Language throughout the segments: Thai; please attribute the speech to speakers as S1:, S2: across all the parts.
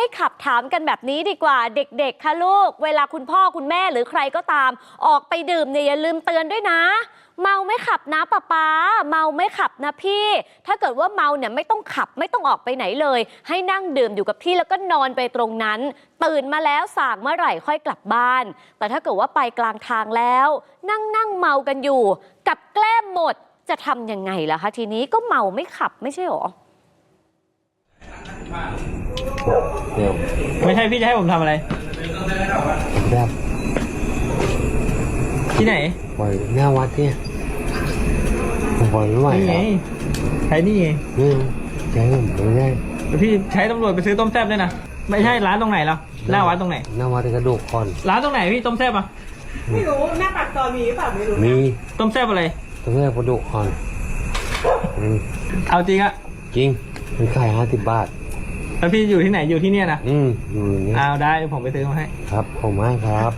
S1: ไม่ขับถามกันแบบนี้ดีกว่าเด็กๆค่ะลูกเวลาคุณพ่อคุณแม่หรือใครก็ตามออกไปดื่มเนี่ยอย่าลืมเตือนด้วยนะเมาไม่ขับนะป๊าเมาไม่ขับนะพี่ถ้าเกิดว่าเมาเนี่ยไม่ต้องขับไม่ต้องออกไปไหนเลยให้นั่งดื่มอยู่กับที่แล้วก็นอนไปตรงนั้นตื่นมาแล้วส่างเมื่อไหร่ค่อยกลับบ้านแต่ถ้าเกิดว่าไปกลางทางแล้วนั่งเมากันอยู่กับแกล้มหมดจะทำยังไงล่ะคะทีนี้ก็เมาไม่ขับไม่ใช่หรอ
S2: ไม่ใช่พี่จะให้ผมทำอะไร
S3: แบบ
S2: ที่ไหน
S3: ปล่อยหน้าวัดเนี่ยผมปล่อยไม่ไหว
S2: นี่ไงใช้นี่ไง
S3: ใช้ผมไม่ได้
S2: พี่ใช้ตำรวจไปซื้อต้มแซ่บด้วยนะไม่ใช่ร้านตรงไหนแล้วหน้าวัดตรงไหน
S3: หน้าวัดกระดูกคอน
S2: ร้านตรงไหนพี่ต้มแซ่บอ่ะ
S4: ไม่รู้หน้าปากซอยมีหรือเปล่าไม่รู้
S3: มี
S2: ต้มแซ่บอะไร
S3: ต้มแซ่บกระดูกคอน
S2: เอาจริงอะ
S3: จริงมันขาย50 บาท
S2: แล้วพี่อยู่ที่ไหนอยู่ที่เนี่ยนะ
S3: อยู่นี่
S2: เอาได้ผมไปซื้อมาให้
S3: ครับผมมากครับ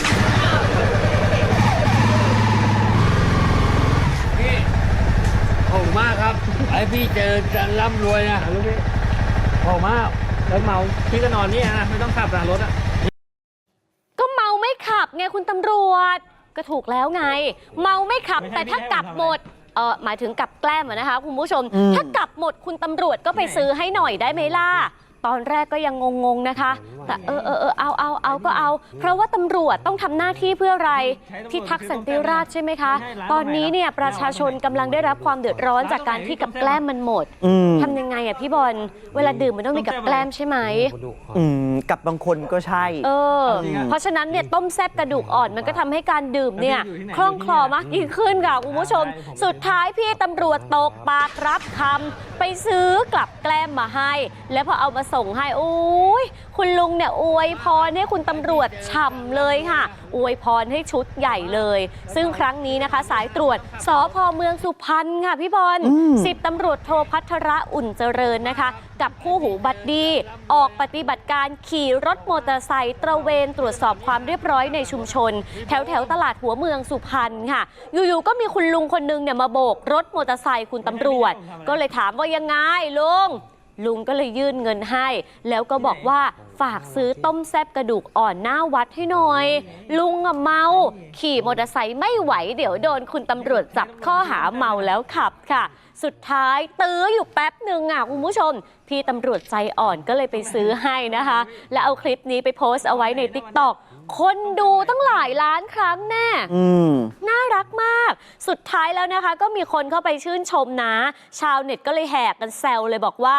S3: พี่ผมมากครับไอพี่เจอจะร่ำรวยนะลูกพี่
S2: ผมมากแล้วเมาพี่ก็นอนนี่นะไม่ต้องขับนะรถอะ
S1: ก็เมาไม่ขับไงคุณตำรวจก็ถูกแล้วไงเมาไม่ขับแต่ถ้ากลับหมดหมายถึงกับแกล้มนะคะคุณผู้ชมถ้ากลับหมดคุณตำรวจก็ไปซื้อให้หน่อยได้ไหมล่ะตอนแรกก็ยังงงๆนะคะแต่เอาก็เอาเพราะว่าตำรวจต้องทำหน้าที่เพื่ออะไรที่ทักสันติราษฎร์ใช่ไหมคะตอนนี้เนี่ยประชาชนกำลังได้รับความเดือดร้อนจากการที่กับแกล้มมันหมดทำยังไงอ่ะพี่บอลเวลาดื่มมันต้องมีกับแกล้มใช่ไหม
S5: กับบางคนก็ใช่
S1: เพราะฉะนั้นเนี่ยต้มแซ่บกระดูกอ่อนมันก็ทำให้การดื่มเนี่ยคล่องคลอมากยิ่งขึ้นค่ะคุณผู้ชมสุดท้ายพี่ตำรวจตกปากรับคำไปซื้อกลับแกล้มมาให้แล้วพอเอามาส่งให้โอ้ยคุณลุงเนี่ยอวยพรให้คุณตำรวจฉ่ำเลยค่ะอวยพรให้ชุดใหญ่เลยซึ่งครั้งนี้นะคะสายตรวจสภ.เมืองสุพรรณค่ะพี่บอล10 ตำรวจโทพัทระอุ่นเจริญนะคะกับคู่หูบัดดี้ออกปฏิบัติการขี่รถมอเตอร์ไซค์ตระเวนตรวจสอบความเรียบร้อยในชุมชนแถวตลาดหัวเมืองสุพรรณค่ะอยู่ๆก็มีคุณลุงคนนึงเนี่ยมาโบกรถมอเตอร์ไซค์คุณตำรวจก็เลยถามว่ายังไงลุงก็เลยยื่นเงินให้แล้วก็บอกว่าฝากซื้อต้มแซ่บกระดูกอ่อนหน้าวัดให้หน่อยลุงเมาขี่มอเตอร์ไซค์ไม่ไหวเดี๋ยวโดนคุณตำรวจจับข้อหาเมาแล้วขับค่ะสุดท้ายตื้ออยู่แป๊บหนึ่งคุณผู้ชมพี่ตำรวจใจอ่อนก็เลยไปซื้อให้นะคะแล้วเอาคลิปนี้ไปโพสต์เอาไว้ใน TikTok คนดูตั้งหลายล้านครั้งแน่น่ารักมากสุดท้ายแล้วนะคะก็มีคนเข้าไปชื่นชมนะชาวเน็ตก็เลยแหกกันแซวเลยบอกว่า